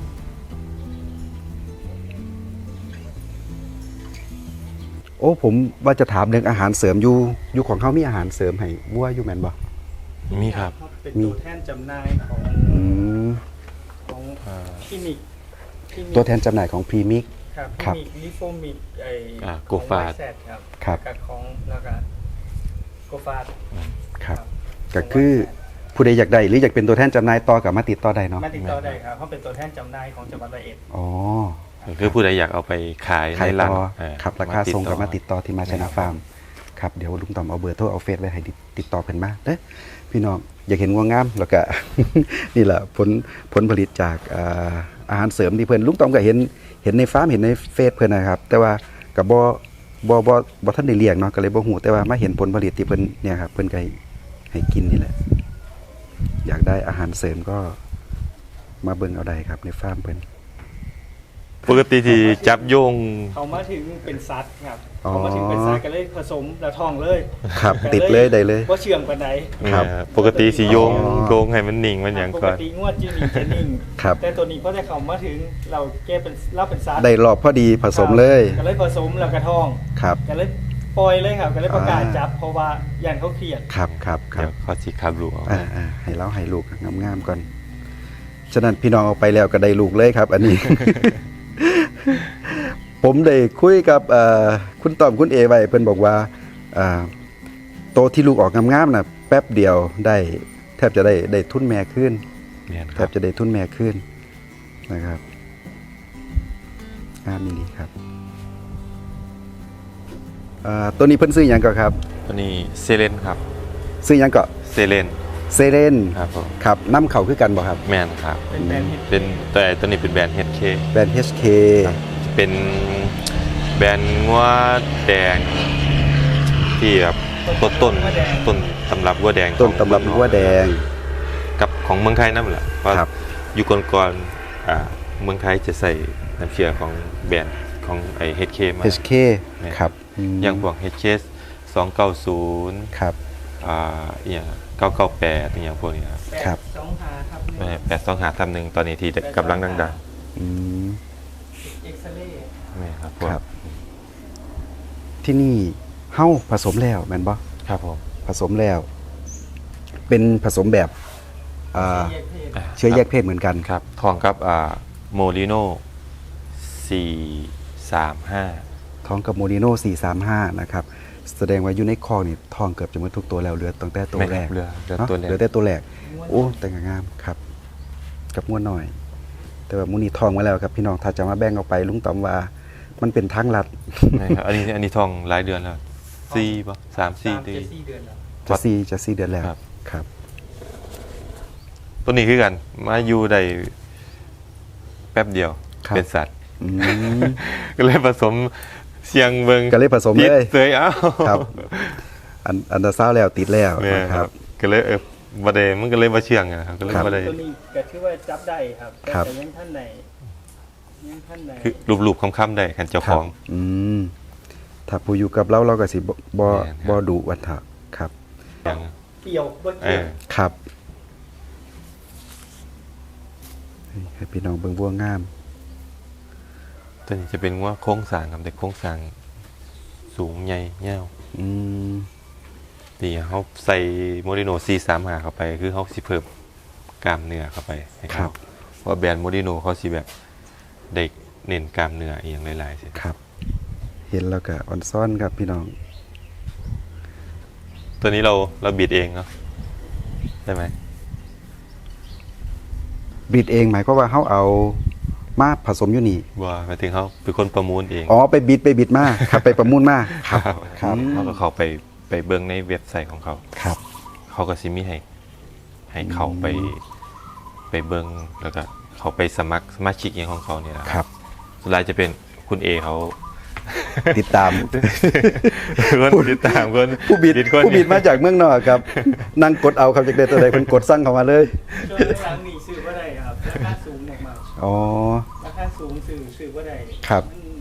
[SPEAKER 1] โอ้ผมว่าจะถามเรื่องอาหารเสริมอยู่ของเขามีอาหารเสริมให้วัวอยู่แม่นบ่
[SPEAKER 2] มีครับ
[SPEAKER 3] เป็น
[SPEAKER 1] มี
[SPEAKER 3] ตัวแทนจำหน่ายของ
[SPEAKER 1] อืม
[SPEAKER 3] ของคลินิก
[SPEAKER 1] ตัวแทนจำหน่ายของพรีมิก
[SPEAKER 3] ครับ
[SPEAKER 1] ครับ
[SPEAKER 3] คลินิกลิโฟมิก
[SPEAKER 2] โกฟาด
[SPEAKER 3] แซดครับ
[SPEAKER 1] ครับ
[SPEAKER 3] กับของแล้วก็โกฟาด
[SPEAKER 1] ครับก็คือผู้ใดอยากได้หรืออยากเป็นตัวแทนจำหน่ายต่อกับมาติดต่อได้เนาะ
[SPEAKER 3] มาติดต่อได้ครับเขาเป็นตัวแทนจำหน่ายของจังหวัดร้อยเอ็ด
[SPEAKER 1] อ๋อ
[SPEAKER 2] คือผู้ใดอยากเอาไปขาย
[SPEAKER 1] ขาย
[SPEAKER 2] ในร้า
[SPEAKER 1] ต่
[SPEAKER 2] น
[SPEAKER 1] อครับราคาส่งกับมาติดต่อที่มาชนะฟาร์มครับเดี๋ยวลุงต่อมเอาเบอร์โทรเอาเฟซไว้ให้ติดต่อเพิ่นมาเด้อพี่น้องอยากเห็นงัวงามแล้วก็ นี่แหละผลผลิตจากอาหารเสริมที่เพิ่นลุงต่อมก็เห็นในฟาร์มเห็นในเฟซเพิ่นนะครับ แต่ว่าก็บ่ทันได้เลี้ยงเนาะก็เลยบ่ฮู้แต่ว่ามาเห็นผลผลิตที่เพิ่นเนี่ยครับเพิ่นก็ให้กินนี่แหละอยากได้อาหารเสริมก็มาเบิ่งเอาได้ครับในฟาร์มเพิ่น
[SPEAKER 2] ปกติที่จับโยง
[SPEAKER 3] เขามาถึงเป็นซัดครับ
[SPEAKER 1] อ๋อ
[SPEAKER 3] เขามาถึงเป็นซัดก็เลยผสมแล้วทองเลย
[SPEAKER 1] ครับติดเลยได้เลย
[SPEAKER 3] ว่าเชื่องปานใด
[SPEAKER 1] ครับ
[SPEAKER 2] ปกติสิโยง
[SPEAKER 1] อ๋อ
[SPEAKER 2] โยงให้มันนิ่งมันหยัง
[SPEAKER 3] ป
[SPEAKER 2] ก่
[SPEAKER 3] ก
[SPEAKER 2] อน
[SPEAKER 3] ติงวดจะมีเจนิ่ง
[SPEAKER 1] ครับ
[SPEAKER 3] แต่ตัวนี้เพราะแต่เขามาถึงเราแก้เป็นเล่าเป็นซัด
[SPEAKER 1] ได้รอบพอดีผสมเลย
[SPEAKER 3] ก็เลยผสมแล้วกระทอง
[SPEAKER 1] ครับ
[SPEAKER 3] ก็เลยปล่อยเลยครับก็เลยประกาศ
[SPEAKER 1] อ่า
[SPEAKER 3] จับเพราะว่ายันเขาเครียด
[SPEAKER 1] ครับครับครั
[SPEAKER 2] เดี๋ย
[SPEAKER 1] บ
[SPEAKER 2] วเขาสิขับลูกเอา
[SPEAKER 1] ให้เราให้ลูกงามๆก่อน ฉะนั้นพี่น้องเอาไปแล้วก็ได้ลูกเลยครับ อันนี้ ผมได้คุยกับคุณต้อมคุณเอไว้เพิ่นบอกว่าโตที่ลูกออกงามๆน่ะแป๊บเดียวได้แทบจะได้ทุนแม่ขึ้น
[SPEAKER 2] แม่น
[SPEAKER 1] แท
[SPEAKER 2] ครับ บ
[SPEAKER 1] จะได้ทุนแม่ขึ้นนะครับงามมิลีครับตัวนี้เพิ่นซื้อหยังก่อนครับ
[SPEAKER 2] ตัวนี้เซเลนครับ
[SPEAKER 1] ซื้อหยังก็
[SPEAKER 2] เซเลน
[SPEAKER 1] เซเรน
[SPEAKER 2] ครับผม
[SPEAKER 1] ครับน้ำเขาคือกันบ่ครับ
[SPEAKER 2] แม่นครับ
[SPEAKER 3] เป็นแบรนด์เฮด
[SPEAKER 2] เป็นแต่ตัวนี้เป็นแบรนด์ HK
[SPEAKER 1] แบรนด์ HK
[SPEAKER 2] เป็นแบรนด์งัวแดงที่แบบต้นตำรับงัวแดง
[SPEAKER 1] ต้นตำรับหัวแดง
[SPEAKER 2] กับของเมืองไทยนั่นแหละเพราะ
[SPEAKER 1] ครับ
[SPEAKER 2] อยู่ก่อนๆเมืองไทยจะใส่น้ำเชื่อของแบรนด์ของไอ้ HK มา
[SPEAKER 1] HK ครับอืม
[SPEAKER 2] อย่างพวก HK 290
[SPEAKER 1] ครับ
[SPEAKER 2] อย่าง998อย่างพวกนี้ครับ
[SPEAKER 1] ครับ
[SPEAKER 3] 825ครับ
[SPEAKER 2] 825ทำหนึ่งตอนนี้ที่กำลังดัง
[SPEAKER 1] อืม
[SPEAKER 3] เอ็กซเรย์
[SPEAKER 2] ๆนี่ครับพวก
[SPEAKER 1] ครับ ที่นี่เฮ้าผสมแล้วแม่นบ่
[SPEAKER 2] ครับผม
[SPEAKER 1] ผสมแล้ว เป็นผสมแบบ
[SPEAKER 3] แยกเพศ
[SPEAKER 1] เชื้อแยกเพศเหมือนกัน
[SPEAKER 2] ครับทองกับโมลิโน435
[SPEAKER 1] ท้องกับโมดิโน่435นะครับแสดงว่าอยู่ในคอกนี่ทองเกือบจะหมดทุกตัวแล้วเหลือตั้งแต่ตัวแรก
[SPEAKER 2] เหลือ
[SPEAKER 1] เนาะ
[SPEAKER 2] ตัวแรก
[SPEAKER 1] เหลือแต่ตัวแรกโอ้แต่งงามครับกับงัวหน่อย แต่ว่ามูนี่ทองมาแล้วครับพี่น้องถ้าจะมาแบ่งออกไปลุงต๋อมว่ามันเป็นทางลัด
[SPEAKER 2] ใช่ครับอันนี้ทองหลายเดือนแล้ว4ป่ะ3-4 เดือน
[SPEAKER 3] 4 เดือนแล้ว
[SPEAKER 1] จะ4 เดือนแล้ว
[SPEAKER 2] ครับ
[SPEAKER 1] ครับ
[SPEAKER 2] ตัวนี้คือกันมาอยู่ได้แป๊บเดียว
[SPEAKER 1] ครับ
[SPEAKER 2] เป็นสัตว์
[SPEAKER 1] อืม
[SPEAKER 2] ก็เลยผสมเสียงเบิง
[SPEAKER 1] ก็เลยผสม
[SPEAKER 2] ติด
[SPEAKER 1] เลย
[SPEAKER 2] เสยเอ้า
[SPEAKER 1] ครับอันดาซาวแล้วติดแล้ว
[SPEAKER 2] เนี่ย
[SPEAKER 1] นะ
[SPEAKER 2] ค
[SPEAKER 1] ค
[SPEAKER 2] รั
[SPEAKER 1] รั
[SPEAKER 2] บบ ก็เลยบ่ได้มันก็เลยบ่เชื่องอะครับก็เลย
[SPEAKER 1] ครับ
[SPEAKER 2] บ่ได้
[SPEAKER 3] ตัวนี้ก็ถือว่าจับได้ครับ
[SPEAKER 1] ครับ
[SPEAKER 3] แต่ยังท่านไหนยังท่านไหน
[SPEAKER 2] คือรูปๆค้ำๆได้คันเจ้าของ
[SPEAKER 1] อืมถ้าผู้อยู่กับเราก็สิบ่
[SPEAKER 2] แม่นครับ
[SPEAKER 1] ดุวัฏฏะครับ
[SPEAKER 2] อย่าง
[SPEAKER 3] เกี่ยวบ่
[SPEAKER 2] เอ
[SPEAKER 3] เกี่ยว
[SPEAKER 2] อ
[SPEAKER 1] ครับให้พี่น้องเบิ่งบัวงาม
[SPEAKER 2] ตัวนี้จะเป็นว่าโครงสร้างครับแต่โครงสร้างสูงใหญ่ยาว
[SPEAKER 1] อืม
[SPEAKER 2] ที่เขาใส่โมดิโน435เข้าไปคือเขาสิเพิ่มกล้ามเนื้อเข้าไปให้
[SPEAKER 1] ครั
[SPEAKER 2] เขา
[SPEAKER 1] บ
[SPEAKER 2] เพราะแบรนด์โมดิโนเขาสิแบบเด็กเน้นกล้ามเนื้ออีกอย่างหลายๆสิ
[SPEAKER 1] ครับ เห็นแล้วก็อ่อนซ่อนครับพี่น้อง
[SPEAKER 2] ตัวนี้เราบิดเองเนาะได้ไหม
[SPEAKER 1] บิดเองหมายความว่าเฮาเอามาผสมอยู่นี่
[SPEAKER 2] ว่าหมายถึงเขาเป็นคนประมูลเอง
[SPEAKER 1] อ๋อไปบิดมาครับ ไปประมูลมาครับ ครับ
[SPEAKER 2] เขาก็เขาไปเบิ่งในเว็บไซต์ของเขา
[SPEAKER 1] ครับ
[SPEAKER 2] เขาก็สิมีให้เขาไปเบิ่งแล้วก็เขาไปสมัครสมาชิกอย่างของเขาเนี่ยนะครับ สุดท้ายจะเป็นคุณเอเขา
[SPEAKER 1] ติดตาม
[SPEAKER 2] คนติดตามคน
[SPEAKER 1] ผู้บิด
[SPEAKER 2] คน
[SPEAKER 1] ผู้บิดมาจากเมืองนอกครับ นั่งกดเอาครับจากเด็ดตัวใดเพิ่นกดสั่งเข้ามาเลย
[SPEAKER 3] ช่วงหลังๆนี่ซื้อบ่ได้ครับราคาสูงมาก
[SPEAKER 1] อ๋อ
[SPEAKER 3] ๆราคาสูงซื้อบ่ได้
[SPEAKER 1] ครับ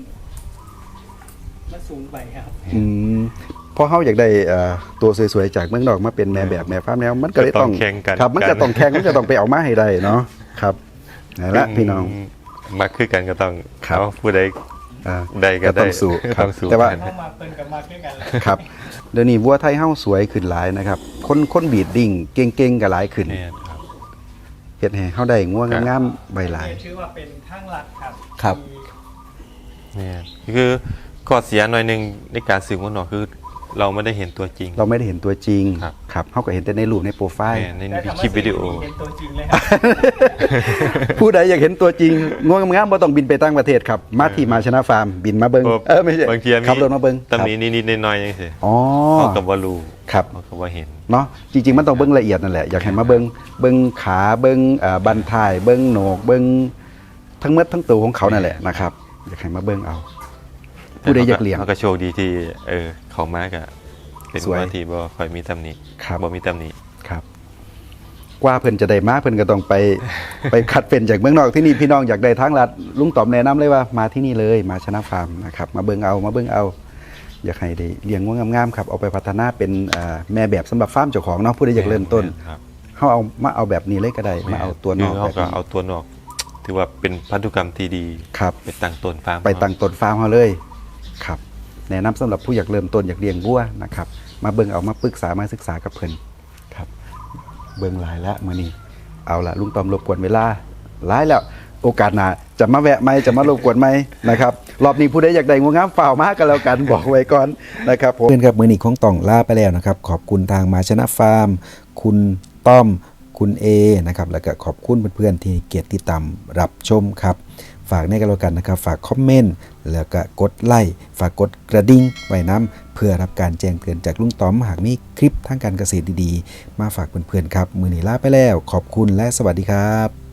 [SPEAKER 3] มันสูงไปครับ
[SPEAKER 1] อืมพอเฮาอยากได้ตัวสวยๆจากเมืองนอกมาเป็นแม่แบบแม่ฟ้าแนวมันก็เลยต้อง
[SPEAKER 2] แข่งกัน
[SPEAKER 1] ครับมันก็ต้องแข่งมันก็ต้องไปเอามาให้ได้เนาะครับนั่นละพี่น้อง
[SPEAKER 2] มาคือกันก็ต้อง
[SPEAKER 1] ครับ
[SPEAKER 2] เอาผู้ใด
[SPEAKER 1] อ่า
[SPEAKER 2] ได้ก็
[SPEAKER 1] ต้อง
[SPEAKER 2] ได้
[SPEAKER 1] สู้ครับ
[SPEAKER 2] ต้องสู้
[SPEAKER 1] แต่ว่า
[SPEAKER 2] กัน
[SPEAKER 3] เข้ามาเพิ่นกับมาคือกันแหละ
[SPEAKER 1] ครับเดี๋ยวนี้วัวไทยเฮาสวยขึ้นหลายนะครับ คนบีดดิ้งเก่งๆก็หลายขึ้น
[SPEAKER 2] เนี่ยครับ
[SPEAKER 1] เฮ็ดให้เฮาได้งัวงามๆใบหลาย
[SPEAKER 3] นี่ถือว่าเป็นทางลัดครับ
[SPEAKER 1] ครับ
[SPEAKER 3] ที่
[SPEAKER 2] เนี่ยคือข้อเสียหน่อยหนึงในการซื้อหัวหนอกคือ เราไม่ได้เห็นตัวจริง
[SPEAKER 1] เราไม่ได้เห็นตัวจริง
[SPEAKER 2] ครับ
[SPEAKER 1] ครับเฮาก็เห็นแต่ในรูปในโปรไฟล์
[SPEAKER 2] แม่ใน
[SPEAKER 3] แต่
[SPEAKER 2] คลิปวิดีโอ
[SPEAKER 3] เห็นตัวจริงเลยครับ
[SPEAKER 1] ผู้ใดอยากเห็นตัวจริงงัวงามๆบ่ต้องบินไปต่างประเทศครับ มาที่มาชนะฟาร์มบินมาเบิ่งไม่ใช่
[SPEAKER 2] บางทีมี
[SPEAKER 1] ขับรถมาเบิ่ง
[SPEAKER 2] ตำหนินิดๆหน่อยๆจังซี่
[SPEAKER 1] อ๋อ
[SPEAKER 2] เขาก็บ่รู้
[SPEAKER 1] ครับ
[SPEAKER 2] เขาก็บ่เห็น
[SPEAKER 1] เนาะจริงๆมันต้องเบิ่งละเอียดนั่นแหละอยากให้มาเบิ่งขาเบิ่งบันท้ายเบิ่งโหนกเบิ่งทั้งหมดทั้งตัวของเขานั่นแหละนะครับอยากให้มาเบิ่งเอา ผู้ใดอยากเลี้ยง
[SPEAKER 2] เขาก็โชคดีที่เขามาก็เป็น
[SPEAKER 1] สวย
[SPEAKER 2] ว่าที่บ่ค่อยมีตำหนิ
[SPEAKER 1] ครับ
[SPEAKER 2] บ่มีตำหนิ
[SPEAKER 1] ครับกว่าเพิ่นจะได้มาเพิ่นก็ต้องไป ไปคัดเป็นจากเมืองนอกที่นี่พี่น้องอยากได้ทางลัดลุงต๋อมแนะนำเลยว่ามาที่นี่เลยมาชนะฟาร์มนะครับมาเบิ่งเอาอยากให้ได้เลี้ยงงัวงามๆครับเอาไปพัฒนาเป็นแม่แบบสำหรับฟาร์มเจ้าของเนาะผู้ใดอยากเริ่มต้น
[SPEAKER 2] ครับ
[SPEAKER 1] เขาเอาแบบนี้เลยก็ได้มาเอาตัวนอก
[SPEAKER 2] คื
[SPEAKER 1] แบ
[SPEAKER 2] เขา
[SPEAKER 1] บ
[SPEAKER 2] ก็
[SPEAKER 1] นี้
[SPEAKER 2] เอาตัวนอก ถือว่าเป็นพันธุกรรมที่ดี
[SPEAKER 1] ครับ
[SPEAKER 2] ไปตั้งต้นฟาร์ม
[SPEAKER 1] ไปตั้งต้นฟาร์มเขาเลยครับแนะนำสำหรับผู้อยากเริ่มต้นอยากเลี้ยงวัวนะครับมาเบิ่งเอามาปรึกษามาศึกษากับเพิ่นครับเบิ่งหลายแล้วมื้อนี้เอาละลุงตอมรบกวนเวลาหลายแล้วโอกาสหน้าจะมาแวะไหมจะมารบกวนไหมนะครับรอบนี้ผู้ใดอยากได้งูงามฝ่าวมากันแล้วกันบอกไว้ก่อนนะครับผมเพื่อนครับมื้อนี้ของต้องลาไปแล้วนะครับขอบคุณทางมาชนะฟาร์มคุณต้อมคุณเอนะครับแล้วก็ขอบคุณเพื่อนๆที่เกียรติติดตามรับชมครับฝากในกันแล้วกันนะครับฝากคอมเมนต์แล้วก็กดไลค์ฝากกดกระดิ่งไว้น้ำเพื่อรับการแจ้งเตือนจากลุงต้อมหากมีคลิปทางการเกษตรดีๆมาฝากเพื่อนๆครับมื้อนี้ลาไปแล้วขอบคุณและสวัสดีครับ